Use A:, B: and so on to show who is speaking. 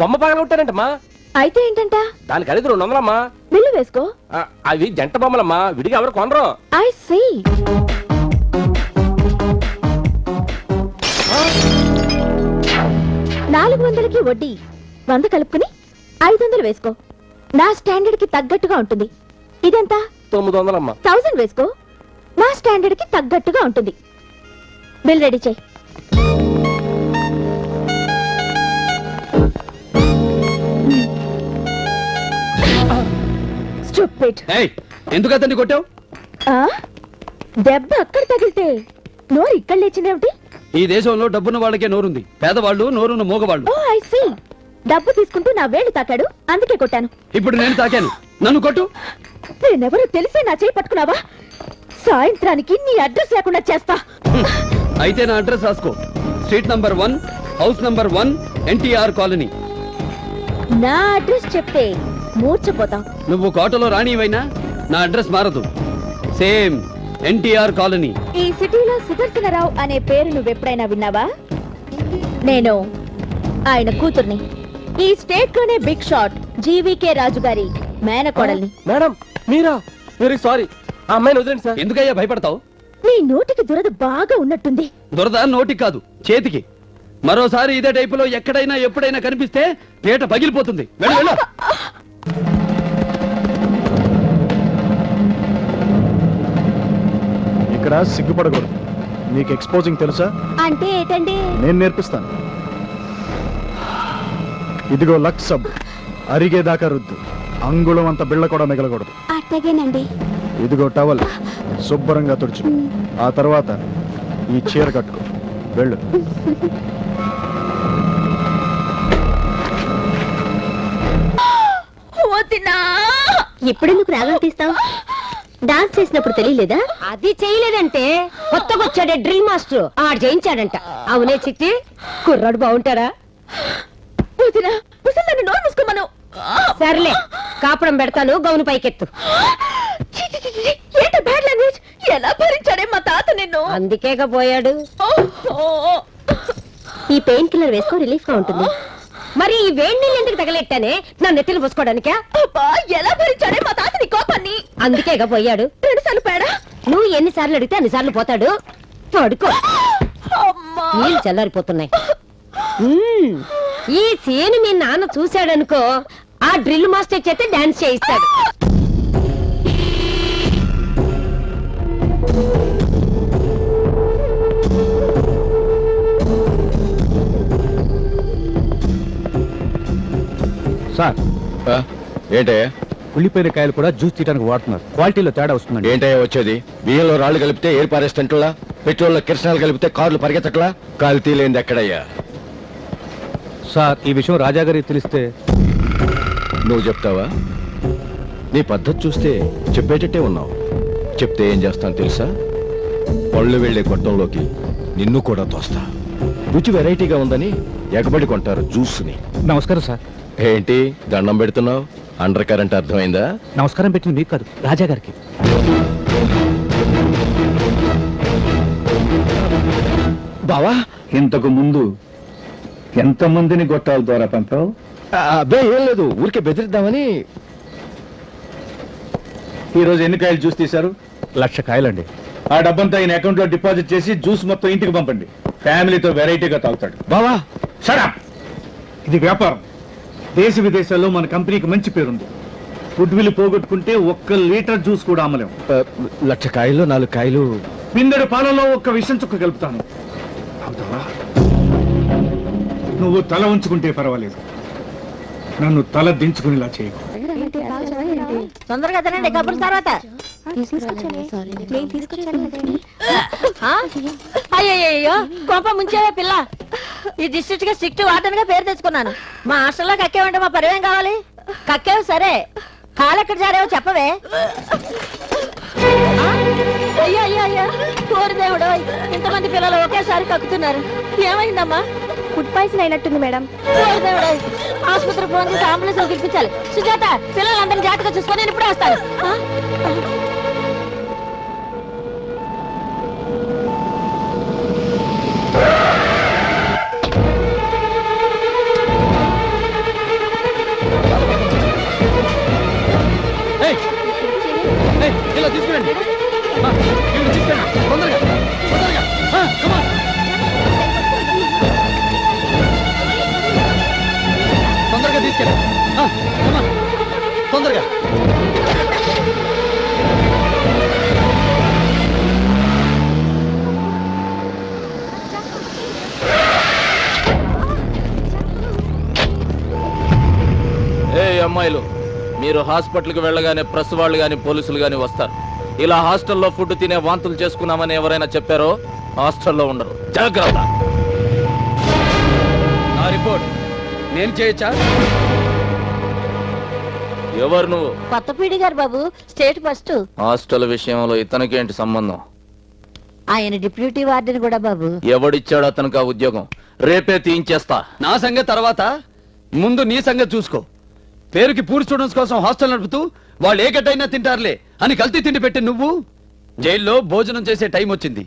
A: బొమ్మ పగలగొట్టారంటమ్మా.
B: అయితే ఏంటంట?
A: దానికి ఖరీదు 200 అమ్మా.
B: బిల్లు వేసుకో.
A: అవి జంట బొమ్మలమ్మా, విడిగా ఎవరు కొనరు.
B: I see. 400కి వడ్డీ 100 కలుపుకుని 500 వేసుకో. నా స్టాండర్డ్ కి తగ్గట్టుగా ఉంటుంది. ఇదెంత?
A: 900 అమ్మా.
B: 1000 వేసుకో. నా స్టాండర్డ్ కి తగ్గట్టుగా ఉంటుంది. బిల్ రెడీ చేయి.
C: ఎందుకు అతన్ని కొట్టావు?
B: దెబ్బ అక్కడ తగిలితే నోరు ఇక్కడ లేచిందేమిటి?
C: ఈ దేశంలో డబ్బున్న వాళ్ళకే నోరుంది, పేదవాళ్ళు నోరున్న మూగవాళ్ళు.
B: ఓ ఐ సీ. డబ్బు తీసుకుంటూ నా వేలు తాకాడు, అందుకే కొట్టాను.
C: ఇప్పుడు నేను తాకాను, నన్ను కొట్టు.
B: నేనెవరో తెలిసే నా చేయి పట్టుకున్నావా? సాయంత్రానికి నీ అడ్రస్ లేకుండా చేస్తా.
C: అయితే నా అడ్రస్ రాసుకో. Street number 1, house number 1, NTR colony.
B: నా అడ్రస్ చెప్తే మూర్చపోతాం.
C: నువ్వు కోటలో రాణివైనా నా అడ్రస్ మారదు. Same NTR colony.
B: ఈ సిటీలో సుదర్శనరావు అనే పేరు నువ్వెప్పుడైనా విన్నావా? నేను ఆయన కూతుర్ని. ఈ స్టేట్ లోనే బిగ్ షాట్ జీవీకే రాజు గారి మేనకోడల్ని.
A: మేడం మీరా? Very sorry. ఆ అమ్మాయిని వదిలేండి సార్.
C: ఎందుకయ్యా భయపడతావు?
B: నీ నోటికి దురద బాగా ఉన్నట్టుంది.
C: దురద నోటికి కాదు, చేతికి. మరోసారి ఇదే టైపులో ఎక్కడైనా ఎప్పుడైనా కనిపిస్తే పీట పగిలిపోతుంది. వెళ్ళు వెళ్ళు.
D: ఇక్కడ సిగ్గుపడకూడదు. నీకు ఎక్స్పోజింగ్ తెలుసా?
B: అంటే ఏంటండి?
D: నేను నేర్పిస్తాను. ఇదిగో లక్స్ సబ్, అరిగేదాకా రుద్దు. అంగుళం అంత బిళ్ళ కూడా మిగలకూడదు.
B: అట్టగేనండి.
D: ఇదిగో టవల్, శుభ్రంగా తుడుచు. ఆ తర్వాత ఈ చీర కట్టుకో. వెళ్ళు.
B: ఎప్పుడెందుకు రాగం తీస్తావు? డాన్స్ చేసినప్పుడు తెలియలేదా?
E: అది చేయలేదంటే కొత్తగా వచ్చాడే డ్రిల్ మాస్టర్ ఆడు చేయించాడంట. అవునే చిట్టి, కుర్రాడు బాగుంటారా? సర్లే, కాపురం పెడతాను, గౌను పైకెత్తు.
B: ఎలా భరించాడే మా తాత నిన్ను?
E: అందుకేగా పోయాడు.
B: ఈ పెయిన్ కిల్లర్ వేసుకో, రిలీఫ్ గా ఉంటుంది.
E: మరి ఈ వేడి నీళ్ళు ఎందుకు తగలెట్టానే? నా నెత్తిని పోసుకోవడానికా?
B: ఎలా భరించాడే మా తాత నీ కోపాన్ని?
E: అందుకేగా పోయాడు.
B: 2 సార్లు పేడా?
E: నువ్వు ఎన్నిసార్లు అడిగితే అన్నిసార్లు పోతాడు. పడుకో, నీళ్ళు చల్లారిపోతున్నాయి. ఈ సీన్ మీ నాన్న చూశాడనుకో, ఆ డ్రిల్ మాస్టర్ చేస్తే డాన్స్ చేయిస్తాడు.
D: సార్,
F: ఏంటయ్యా?
D: ఉల్లిపోయిన కాయలు కూడా జ్యూస్ తీయడానికి వాడుతున్నారు. క్వాలిటీలో తేడా వస్తుందండి.
F: ఏంటయ్యా వచ్చేది? బియ్యంలో రాళ్లు కలిపితే ఏరు పారేస్తంట్లా, పెట్రోల్లో కిరసనాలు కలిపితే కార్లు పరిగెత్తట్లా. కల్తీ లేనిది ఎక్కడయ్యా?
D: సార్, ఈ విషయం రాజాగారికి తెలిస్తే?
F: నువ్వు చెప్తావా? నీ పద్ధతి చూస్తే చెప్పేటట్టే ఉన్నావు. చెప్తే ఏం చేస్తాను తెలుసా? పళ్ళు వెళ్లే గొట్టంలోకి నిన్ను కూడా తోస్తా. రుచి వెరైటీగా ఉందని ఎగబడి కొంటారు జ్యూస్ని.
D: నమస్కారం సార్.
F: ఏంటి దండం పెడుతున్నావు? అండర్ కరెంట్ అర్థమైందా?
D: నమస్కారం పెట్టింది మీకు కాదు, రాజాగారికి.
F: బావా,
G: ఇంతకు ముందు ఎంతమందిని గొట్టాల ద్వారా పంపావు?
F: అబ్బే ఏం లేదు, ఊరికే బెదిరిద్దామని.
G: ఈరోజు ఎన్ని కాయలు జ్యూస్ తీశారు?
D: 1,00,000 కాయలండి.
G: ఆ డబ్బంతా ఈయన అకౌంట్ లో డిపాజిట్ చేసి జ్యూస్ మొత్తం ఇంటికి పంపండి. ఫ్యామిలీతో వెరైటీగా తాగుతాడు.
F: బావా
G: షట్ అప్. ఇది వ్యాపారం. దేశ విదేశాల్లో మన కంపెనీకి మంచి పేరుంది. గుడ్ విల్ పోగొట్టుకుంటే 1 లీటర్ జ్యూస్ కూడా అమ్మలేం.
F: 1,00,000 కాయలు 4 కాయలు.
G: పిందెడు పాలలో 1 విషం చుక్క కలుపుతాను. నువ్వు తల ఉంచుకుంటే పర్వాలేదు, నన్ను తల దించుకునేలా చేయకు.
E: తొందరగా తినండి, కబుర్ల తర్వాత. అయ్యో, కోప ముంచేవే పిల్ల. ఈ డిస్ట్రిక్ట్ గా స్ట్రిక్ట్ వార్డెన్ గా పేరు తెచ్చుకున్నాను. మా హాస్టల్లో కక్కేవంటే మా పరివేం కావాలి? కక్కేవు సరే, కాలెక్కడ జారేవో చెప్పవే. అయ్యో అయ్యో అయ్యో, కోరి దేవుడు, ఇంతమంది పిల్లలు ఒకేసారి కక్కుతున్నారు. ఏమైందమ్మా?
B: ఫుడ్ పాయిజన్ అయినట్టుంది మేడం.
E: కోరి దేవుడు, ఆసుపత్రికి ఫోన్ చేసి అంబులెన్స్ పిలిపించాలి. సుజాత, పిల్లలందరినీ జాగ్రత్తగా చూసుకొని నేను ఇప్పుడే వస్తాను.
C: తొందరగా తీసుకురండి ఆ, ఈవిడ తీసుకెళ్ళండి. తొందరగా తొందరగా ఆ, come on. తొందరగా తీసుకెళ్ళండి ఆ, come on. తొందరగా
H: అమ్మాయిలు మీరు హాస్పిటల్కి వెళ్ళగానే ప్రెస్ వాళ్ళు గాని పోలీసులు గాని వస్తారు. ఇలా హాస్టల్లో ఫుడ్ తినే వాంతులు చేసుకున్నామని ఎవరైనా చెప్పారో హాస్టల్లో ఉండరు. జాగ్రత్త.
C: నా రిపోర్ట్ నేను చేయొచ్చా?
H: ఎవరు నువ్వు?
E: కొత్త పీడి గారు బాబు, స్టేట్ ఫస్ట్.
H: హాస్టల్ విషయంలో ఇతనికేంటి సంబంధం?
E: ఆయన డిప్యూటీ వార్డెన్ కూడా బాబు.
H: ఎవడిచ్చాడు అతనికి ఆ ఉద్యోగం? రేపే తీయించేస్తా.
C: నా సంగతి తర్వాత, ముందు నీ సంగతి చూసుకో. పేరుకి పూర్ స్టూడెంట్స్ కోసం హాస్టల్ నడుపుతూ వాళ్ళు ఏ గడ్డైనా తింటారులే అని కల్తీ తిండి పెట్టి నువ్వు జైల్లో భోజనం చేసే టైం వచ్చింది.